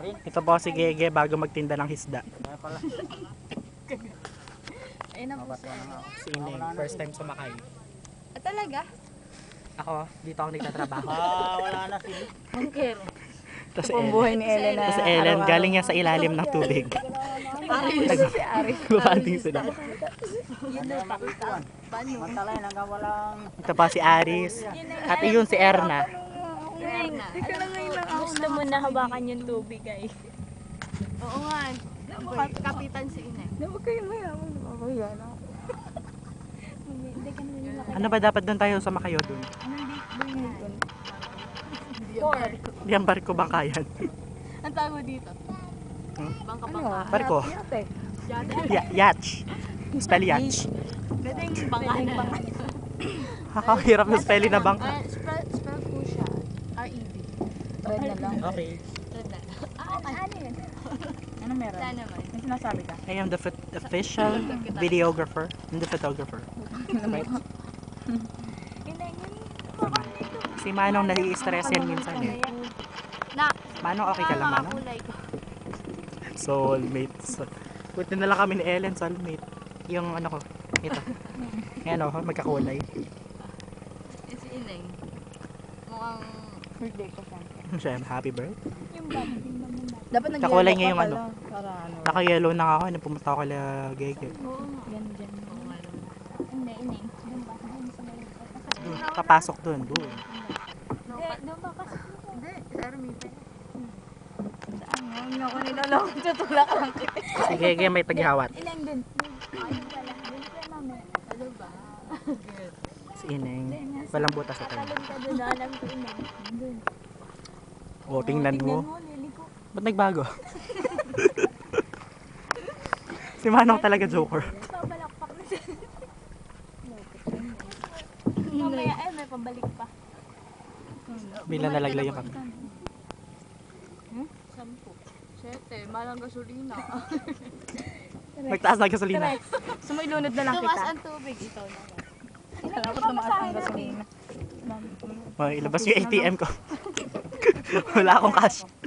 Ito po si Gege bago magtinda ng hisda. Ayun na po siya. Si Ineng, first time sumakay. Talaga? Ako, dito ako nagtatrabaho. Wala na sila. Mangker. Ito si Ang Ellen. buhay ni Ellen na Ito si Ellen, galing niya sa ilalim ng tubig. si Ari. Bumanding sila. Ano yung makikuan? Mantalay hanggang walang... Ito pa si Aris. At iyon si Erna. Erna. Gusto mo na hawakan yung tubig ay. Oo nga. Kapitan si Ine. Huwag kayo mayaman. Ako yan. Ano ba dapat doon tayo sa Makayo doon? Di ang barko bangkayan. Ang tawag mo dito? Bangka bangka. Barko. Yate. Yacht. Spell yacht. Pwede yung bangka na. Kakahirap na spelling na bangka. Spell po siya. R-E-D. Red na lang. Okay. Red na. Ano yun? Ano meron? Saan naman? May sinasabi ka? I am the official videographer and the photographer. Right? Si Manong nai-stress yan minsan eh. Manong okay ka lang, Manong? Soulmate. Buti na lang kami ni Ellen, soulmate. Yung ano ko, ito. Ayan o, magkakulay. Si Ineng. Mukhang... Birthday ko siya. Siyempre, happy birthday. Dapat nag-yellow Kakulay niya ka yung pala. ano. Para ano. Naka-yellow na ako, nung pumunta ako kala Gege. Yan dyan. Hindi, ineng. Doon ba? Doon sa may... Doon, papasok doon. Hindi, doon ba kasi? Hindi, sa Ermita. Hindi ako nilalong. Tutulak lang kita. Si Gege may taghihawat. Ineng doon. Ayun pala. Doon pala mami. Ano ba? Si Ineng. Walang butas sa tayo. Talon ka doon. Alam ko ineng. Doon. O, tingnan mo. Tingnan mo, liliko. Ba't nagbago? Si Manong talaga joker. Pabalakpak na siya. Mamaya may pabalik pa. Bila nalaglag yung kami. 10. 7. Malang gasolina. Magtaas na gasolina. Sumailunod na lang Tumas kita. ang tubig. Ikaw naman. Dapat tumaas ang gasolina. Ilabas yung ATM ko. Wala akong cash.